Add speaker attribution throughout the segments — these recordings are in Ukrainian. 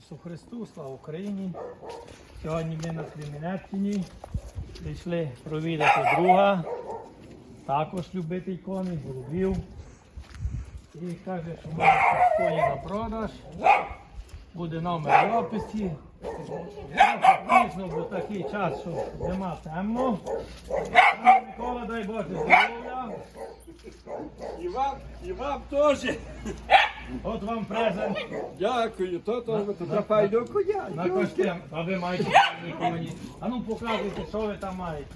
Speaker 1: Ісусу Христу, слава Україні! Сьогодні ми на Кременеччині прийшли провідати друга, також любитель коней, голубів. І каже, що має коні на продаж, буде номер в описі. Пізно, бо такий час, що зима темно. Микола, дай Боже здоров'я.
Speaker 2: І вам теж.
Speaker 1: От вам презент.
Speaker 2: Дякую, то файно коня.
Speaker 1: На костюм. А ви маєте файні коні. А ну показуйте, що ви там маєте.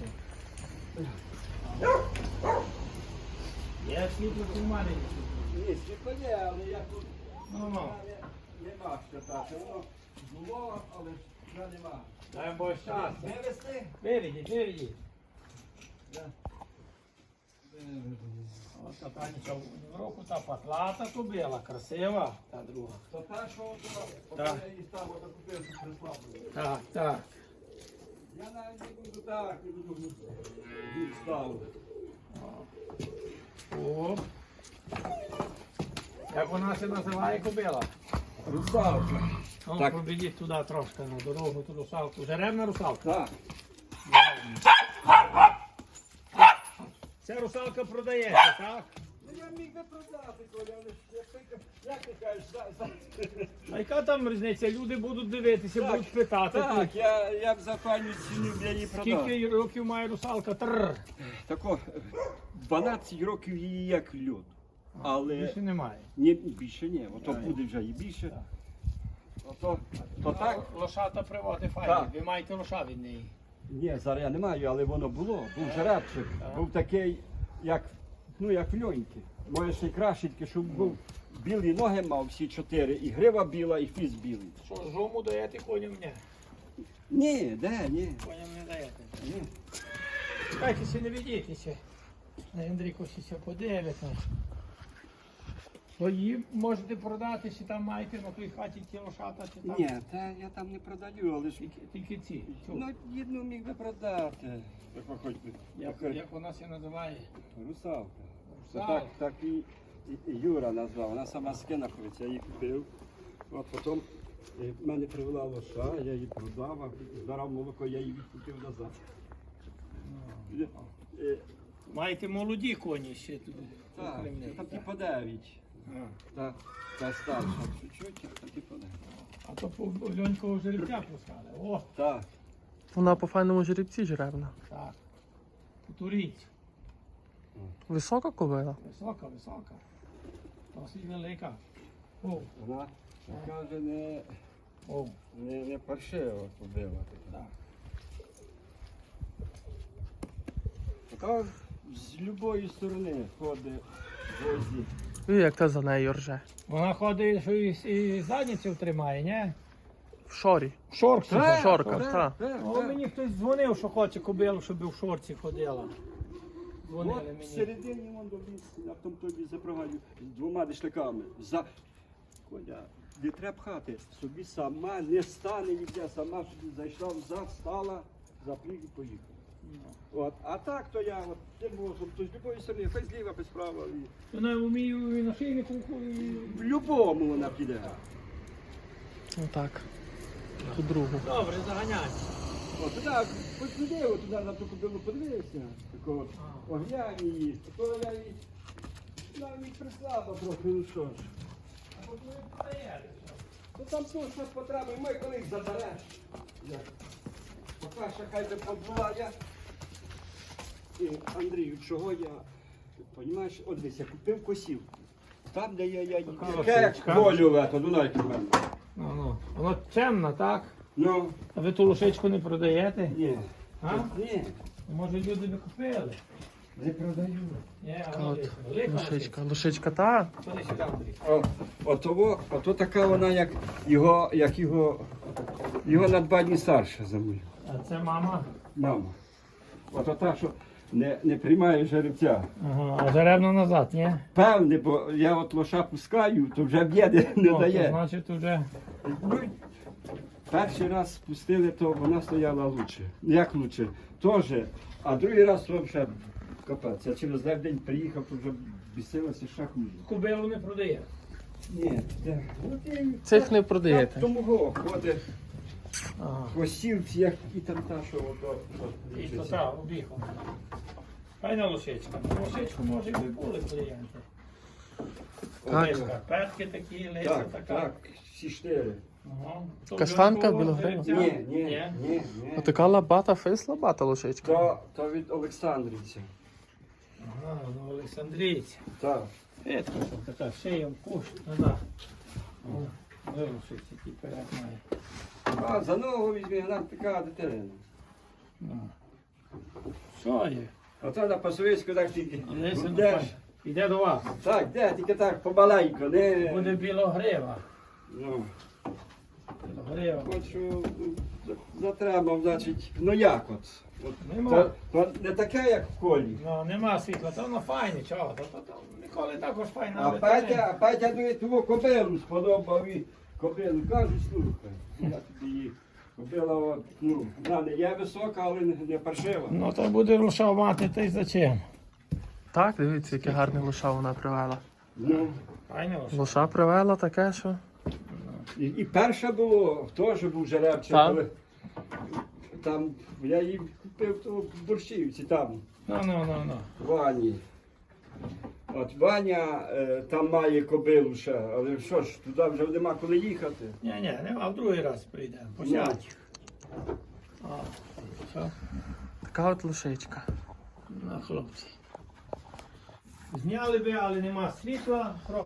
Speaker 1: Є світло в маленький.
Speaker 2: Ні, світло, але я тут
Speaker 1: Ну.
Speaker 2: нема що так. Воно було, але вже нема.
Speaker 1: Дай Боже щастя.
Speaker 2: Вивезти?
Speaker 1: Виведіть. Ось та Танечка в року та патлата кобила, красива, та друга.
Speaker 2: То та, що
Speaker 1: Так.
Speaker 2: я її там купив, що прислав.
Speaker 1: Так.
Speaker 2: Я навіть не буду так, не буду відставити.
Speaker 1: О. Як вона се називає кобила?
Speaker 2: Русалка.
Speaker 1: Ну,
Speaker 2: Так.
Speaker 1: пробідіть туди трошки на дорогу, ту русалку. Жеребна русалка.
Speaker 2: Так.
Speaker 1: Ця русалка продається, так?
Speaker 2: Ну я міг би продати, Коля, але як ти кажеш,
Speaker 1: А яка там різниця? Люди будуть дивитися,
Speaker 2: Так,
Speaker 1: будуть питати.
Speaker 2: Так, я б за пані ціну б я її продав.
Speaker 1: Скільки років має русалка? Тррр.
Speaker 2: Тако, 12 років її як льод. Але
Speaker 1: Більше немає.
Speaker 2: ні, більше ні, ото
Speaker 1: Так.
Speaker 2: буде вже і більше. Ото, то так?
Speaker 1: Лошата приводи файні.
Speaker 2: Так.
Speaker 1: Ви маєте лоша від неї.
Speaker 2: Ні, зараз я не маю, але воно було. Був жеребчик, був такий, як льоньки. Може ще й краще, тільки щоб був білі ноги мав всі 4, і грива біла, і фіз білий.
Speaker 1: Що, жому даєте коням? Ні.
Speaker 2: Ні, ні.
Speaker 1: Коням не даєте.
Speaker 2: Ні.
Speaker 1: Чекайтеся, не ведітеся. На Андрійко ще подивиться. Свої можете продати, чи там маєте на той хаті ті лошата, чи там?
Speaker 2: Ні, та я там не продаю, але ж
Speaker 1: Тільки ці. Цю.
Speaker 2: ну, одну міг би продати. Так, хоч би.
Speaker 1: Як вона се називає?
Speaker 2: Русалка.
Speaker 1: Русалка.
Speaker 2: Так і Юра назвав, вона сама з Кенаховиця, я її купив. От потім в мене привела лоша, я її продав, а збирав молоко, я її відкупив назад.
Speaker 1: Маєте молоді коні ще тут.
Speaker 2: Так,
Speaker 1: окрім них,
Speaker 2: там
Speaker 1: так?
Speaker 2: типу 9.
Speaker 1: А.
Speaker 2: Та старша чуть-чуть, там типу 9.
Speaker 1: А то по льонькового жеребця пускали. О,
Speaker 2: Так.
Speaker 3: Вона по файному жеребці жеребна.
Speaker 1: так. Туріть.
Speaker 3: Висока кобила.
Speaker 1: Висока. Досить велика. О,
Speaker 2: Вона така вже
Speaker 1: о,
Speaker 2: не паршива побила.
Speaker 1: так.
Speaker 2: Така з любої сторони ходить возі.
Speaker 3: І як та за нею рже.
Speaker 1: Вона ходить, що і задницю тримає, ні?
Speaker 3: В шорі.
Speaker 1: В шорці.
Speaker 3: Так. Шорка, так.
Speaker 1: О, мені хтось дзвонив, що хоче кобилу, щоб в шорці ходила. Дзвонили
Speaker 2: От
Speaker 1: мені.
Speaker 2: всередині вон довіз, я в тому тобі запрягаю з 2 дишляками. Коля, не треба пхати, собі сама не стане ніде, сама собі зайшла взад, стала, запліг і поїхала. От, а так то я от, не можу, то з любої сторони, хоч зліва, хоч справа.
Speaker 1: Вона вміє і на шийнику.
Speaker 2: В любому вона піде.
Speaker 3: Отак. Ту другу.
Speaker 1: Добре, заганяй.
Speaker 2: От туди, хоч туди, от туди на ту кобилу подивився, такого оглянь її, то я її навіть прислабла трохи, ну що ж.
Speaker 1: А от ви подаєте, що?
Speaker 2: Ну там точно потреби, ми коли їх забереш. Поки ще хай би побула я. І, Андрію, чого я, розумієш, от десь я купив косів. Там, де я її,
Speaker 1: Така
Speaker 2: яке як
Speaker 1: лошечка.
Speaker 2: колю, то дунайки в мене.
Speaker 1: Ну. Воно темна, так?
Speaker 2: Ну,
Speaker 1: А ви ту лошечку не продаєте?
Speaker 2: ні.
Speaker 1: А?
Speaker 2: Ні,
Speaker 1: Може люди би купили?
Speaker 2: не продаю.
Speaker 1: Ні, а
Speaker 3: От,
Speaker 1: велика
Speaker 3: лошичка. Лошичка та.
Speaker 1: Ходи сюди, Андрій.
Speaker 2: Ото така вона, як його на 2 дні старша за мною.
Speaker 1: А це мама?
Speaker 2: Мама. Ото та, що не приймає жеребця.
Speaker 1: Ага, а жеребно назад, ні?
Speaker 2: Певне, бо я от лоша пускаю, то вже б'єде не
Speaker 1: О, то
Speaker 2: дає.
Speaker 1: значить вже...
Speaker 2: Ну, перший раз спустили, то вона стояла лучше. Як лучше? Теж. А другий раз то вже капець. Я через день приїхав, то вже бісилася ще хуже.
Speaker 1: Кобилу не продає.
Speaker 2: Ні, так. От і
Speaker 3: Цих не
Speaker 2: так
Speaker 3: продаєте?
Speaker 2: Тому ходить
Speaker 1: Ага.
Speaker 2: косівці, як і там та, що ото.
Speaker 1: І то так, обіхом. Файна лошичка. На лошичку, може, і були клієнти.
Speaker 3: Так.
Speaker 1: Ось шкарпетки такі, лися
Speaker 2: Так,
Speaker 1: така.
Speaker 2: так, всі 4.
Speaker 1: Ага. То
Speaker 3: Каштанка
Speaker 1: вже було
Speaker 3: білогрива?
Speaker 1: жеребця?
Speaker 2: Ні.
Speaker 3: Отака лабата, фейс лабата лошичка.
Speaker 2: То від Олександрівця.
Speaker 1: Ага, ну Олександрійці.
Speaker 2: Так.
Speaker 1: Петка, що така шиєм куш. Назад. Вирушить, який перед має.
Speaker 2: А за ногу візьми, вона така дитина.
Speaker 1: Ну. Що є?
Speaker 2: Оце на пасовицьку так тільки.
Speaker 1: Лися,
Speaker 2: Йдеш.
Speaker 1: Іде до вас.
Speaker 2: Так, де, тільки так помаленько, не.
Speaker 1: Буде білогрива.
Speaker 2: Ну,
Speaker 1: Білогрива.
Speaker 2: хочу затримав, значить, ну як от.
Speaker 1: Нема.
Speaker 2: То не таке, як в колі.
Speaker 1: Ну, нема світла, то воно файне, чого? То ніколи також файне.
Speaker 2: А Петя ну, твою кобилу сподобав і кобилу. Кажуть, слухай, я тобі її. Кобила, от, ну, вона не є висока, але не паршива.
Speaker 1: Ну, то буде лоша мати, та й зачем?
Speaker 3: Так, дивіться, яке гарне лоша вона привела.
Speaker 2: Ну,
Speaker 1: Файне лоша.
Speaker 3: Лоша привела таке, що.
Speaker 2: і перше було, теж був жеребчик,
Speaker 3: Так.
Speaker 2: коли там я її купив то в Борщівці, там,
Speaker 1: Ну.
Speaker 2: Вані. От Ваня там має кобилу ще, але що ж, туди вже нема коли їхати.
Speaker 1: Ні, нема, в другий раз прийдемо. Посядь. А, все,
Speaker 3: Така от лошичка.
Speaker 1: на хлопці. Зняли би, але нема світла.